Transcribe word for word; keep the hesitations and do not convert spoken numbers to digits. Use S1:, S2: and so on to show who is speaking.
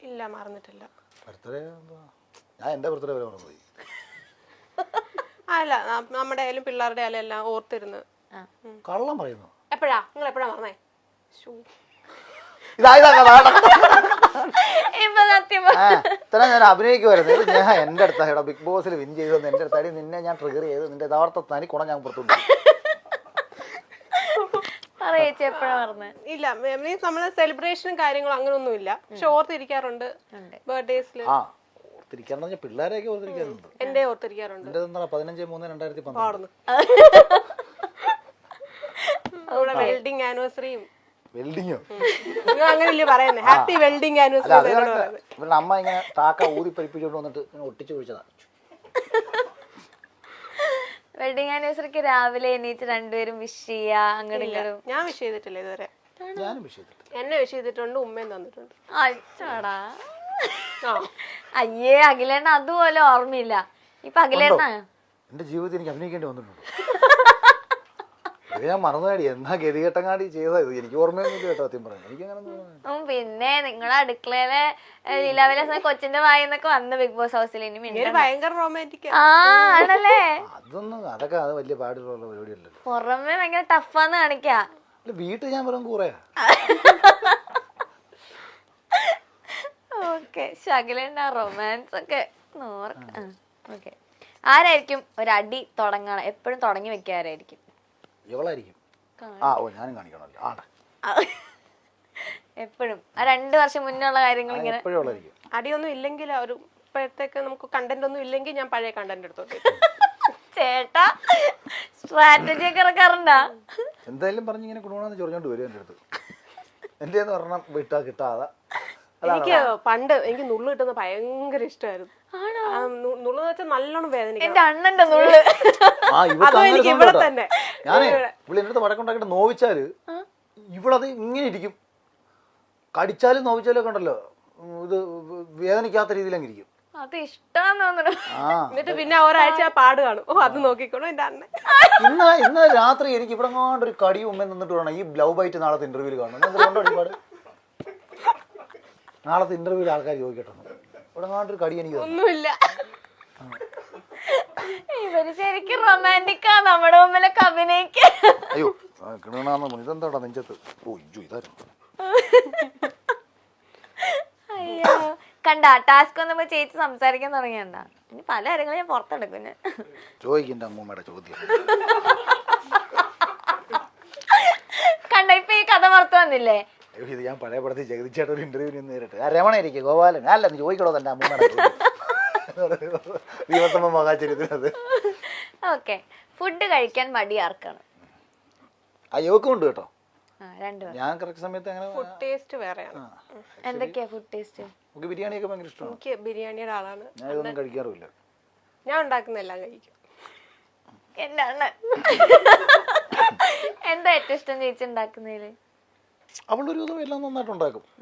S1: ഇല്ല മറന്നിട്ടില്ല.
S2: ബർത്ത്ഡേ ഞാൻ എൻ്റെ ബർത്ത്ഡേ വരെ മറന്നുപോയി.
S1: അല്ല നമ്മുടെ ആയാലും പിള്ളേരുടെ ആയാലും എല്ലാം ഓർത്തിരുന്ന്.
S2: കള്ളം പറയുന്നു.
S1: എപ്പോഴാ നിങ്ങൾ എപ്പോഴാ മറന്നേ?
S2: ഇത്ര ഞാൻ അഭിനയിക്കുമായിരുന്നു. ഞാൻ എൻ്റെ അടുത്ത ഇവിടെ ബിഗ് ബോസിൽ വിൻ ചെയ്തു എൻ്റെ അടുത്ത് അടി നിന്നെ ഞാൻ ട്രിഗർ ചെയ്ത് നിന്റെ യഥാർത്ഥ തനി കുണം ഞാൻ പുറത്തുണ്ട്.
S1: ഇല്ല മീൻസ് നമ്മള് സെലിബ്രേഷനും കാര്യങ്ങളും അങ്ങനൊന്നും ഇല്ല. പക്ഷെ ഓർത്തിരിക്കാറുണ്ട് ബർത്ത്ഡേസിൽ.
S2: ആ ഓർത്തിരിക്കാറുണ്ട്. പിള്ളേരെയൊക്കെ ഓർത്തിരിക്കാറുണ്ട്.
S1: എന്റെ ഓർത്തിരിക്കാറുണ്ട്.
S2: എന്റെ എന്താ പതിനഞ്ച് മൂന്ന് രണ്ടായിരത്തി പന്ത്രണ്ട്
S1: വെൽഡിംഗ് ആനിവേഴ്സറിയും.
S2: വെൽഡിങ്ങോ
S1: അങ്ങനെയല്ലേ പറയുന്നത്? Happy welding anniversary.
S2: ഇവരുടെ അമ്മ ഇങ്ങനെ താക്ക ഊതി പരിപ്പിച്ചോണ്ട് വന്നിട്ട് ഇങ്ങനെ ഒട്ടിച്ചു കുഴിച്ചതാ.
S3: വെഡിങ് ആനിവേഴ്സറിക്ക് രാവിലെ എണീറ്റ് രണ്ടുപേരും വിഷ് ചെയ്യാ അങ്ങോട്ടും ഇങ്ങോട്ടും.
S1: ഞാൻ വിഷ് ചെയ്തിട്ടില്ല ഇതുവരെ.
S2: ഞാനും വിഷ് ചെയ്തിട്ടില്ല.
S1: എന്നെ വിഷ് ചെയ്തിട്ടുണ്ട്, ഉമ്മയും തന്നിട്ടുണ്ട്.
S3: അച്ഛടാ അയ്യേ അഖിലേണ്ണ അതുപോലെ ഓർമ്മയില്ല. ഇപ്പൊ അഖിലേണ്ണ
S2: എന്റെ ജീവിതത്തിൽ എനിക്ക് അഭിനയിക്കേണ്ടി വന്നിട്ടുണ്ട്. ഞാൻ മറന്നുകാടി എന്നാ ഗതികെട്ടങ്ങാടി ചെയ്തത് എനിക്ക് ഓർമ്മയൊന്നുമില്ല കേട്ടോ. സത്യം പറഞ്ഞു എനിക്ക് അങ്ങനെ.
S3: പിന്നെ നിങ്ങളെ അടുക്കളയിലെ ലീലാവിലാസ കൊച്ചിന്റെ വായിന്നൊക്കെ വന്ന് ബിഗ് ബോസ് ഹൗസിൽ
S1: ഭയങ്കര റൊമാൻറ്റിക്
S3: ആണല്ലേ?
S2: അതൊന്നും അതൊക്കെ അത് വലിയ പാടുള്ള പരിപാടിയല്ലല്ലോ.
S3: പുറമെ ഭയങ്കര ടഫാന്ന് കാണിക്കാ.
S2: വീട്ടിൽ ഞാൻ വെറും കൂറയാ.
S3: ഓക്കെ ശകലേണ്ട റൊമാൻസ് ഒക്കെ ഓക്കെ. ആരായിരിക്കും ഒരടി തുടങ്ങണം എപ്പോഴും തുടങ്ങി വെക്കാരായിരിക്കും?
S2: ഇവളായിരിക്കും. ആ ഓ ഞാനും കാണിക്കണമല്ലോ. ആടെ
S3: എപ്പോഴും ആ രണ്ടു വർഷം മുന്നുള്ള കാര്യങ്ങൾ ഇങ്ങനെ
S1: അടിയൊന്നും ഇല്ലെങ്കിൽ ഒരു ഇപ്പോഴത്തേക്ക് നമുക്ക് കണ്ടന്റ് ഒന്നും ഇല്ലെങ്കിൽ ഞാൻ പഴയ കണ്ടന്റ് എടുത്തോട്ടെ.
S3: ചേട്ടാ സ്ട്രാറ്റജി ഒക്കെ ഇറക്കാറുണ്ടാ?
S2: എന്തായാലും പറഞ്ഞ് ഇങ്ങനെ കുടുംബം ചൊറിഞ്ഞോണ്ട് വരും എൻ്റെ അടുത്ത്. എന്റെ പറഞ്ഞാൽ വിട്ടാ കിട്ടാതെ.
S1: എനിക്ക് പണ്ട് എനിക്ക് നുള്ളു കിട്ടുന്നത് ഭയങ്കര ഇഷ്ടമായിരുന്നു. നുള്ളു വെച്ചാൽ നല്ലോണം വേദന.
S3: എന്റെ അണ്ണന്റെ നുള്ളു
S1: ഇവിടെ തന്നെ.
S2: ഞാനേ ഇവിടെ എൻ്റെ അടുത്ത് വടക്കുണ്ടാക്കിട്ട് നോവിച്ചാല് ഇവളത് ഇങ്ങനെ ഇരിക്കും. കടിച്ചാലും നോവിച്ചാലും ഒക്കെ ഉണ്ടല്ലോ ഇത് വേദനിക്കാത്ത രീതിയിലങ്ങ് ഇരിക്കും.
S3: അത് ഇഷ്ടമാന്ന് തോന്നുന്നു.
S1: എന്നിട്ട് പിന്നെ ഒരാഴ്ച പാട് കാണും. ഓ അത് നോക്കിക്കോണോ എന്റെ അണ്ണൻ.
S2: ഇന്ന് ഇന്ന് രാത്രി എനിക്ക് ഇവിടെ കൊണ്ട് ഒരു കടി ഉമ്മ നിന്നിട്ട് വേണം ഈ ലവ് ബൈറ്റ് നാളത്തെ ഇന്റർവ്യൂല് കാണണം. ഒരുപാട് നാളത്തെ ഇന്റർവ്യൂല് ആൾക്കാർ ചോദിക്കട്ടെ ഇവിടെ ഒരു കടി എനിക്ക്
S1: ഒന്നുമില്ല.
S3: ഇവര് ശരിക്കും റൊമാൻറ്റിക്കാ നമ്മുടെ മുമ്പിലൊക്കെ അഭിനയിക്ക.
S2: അയ്യോ കിണാന്ന് ഇതെന്താടാ നെഞ്ചത്ത്. ഓ ഇജു ഇതായിരുന്നു.
S3: അയ്യോ കണ്ട ടാസ്ക് വന്നപ്പോ ചേച്ചി സംസാരിക്കാൻ തുടങ്ങിയണ്ട. ഇനി പല കാര്യങ്ങളും ഞാൻ പുറത്തെടുക്കും. ഞാൻ
S2: ചോദിക്കണ്ട അമ്മൂമ്മയുടെ ചോദ്യം
S3: കണ്ട ഇപ്പൊ ഈ കഥ പുറത്തു വന്നില്ലേ?
S2: ഇത് ഞാൻ പഴയ പടത്തിൽ ജഗതിച്ചേട്ടൻ ഒരു ഇന്റർവ്യൂ നിന്ന് നേരിട്ട് ആ രമണയിരിക്കും ഗോപാലൻ അല്ല നീ ചോദിക്കണോ തന്നെ അമ്മൂമ്മയുടെ ദിവസമ്മ മഹാചര്യത്തിനത്.
S3: ഓക്കെ ഫുഡ് കഴിക്കാൻ മടി ആർക്കാണ്?
S2: ആ യോക്കും ഉണ്ട് കേട്ടോ. ഞാൻ കറക്റ്റ് സമയത്ത് അങ്ങനെ
S1: ഫുഡ് ടേസ്റ്റ് വേറെയാണ്.
S3: എന്തൊക്കെയാ ഫുഡ് ടേസ്റ്റ്?
S2: നമുക്ക് ബിരിയാണിയൊക്കെ ഭയങ്കര ഇഷ്ടമാണ്.
S1: എനിക്ക് ബിരിയാണിയുടെ ആളാണ്.
S2: ഞാൻ ഇതൊന്നും കഴിക്കാറുമില്ല.
S1: ഞാൻ ഉണ്ടാക്കുന്ന എല്ലാം കഴിക്കും.
S3: എന്റെ അണ്ണൻ എന്താ ഏറ്റവും ഇഷ്ടം ചേച്ചി ഉണ്ടാക്കുന്നതില്?
S2: അവളൊരു വിധം എല്ലാം നന്നായിട്ട് ഉണ്ടാക്കും.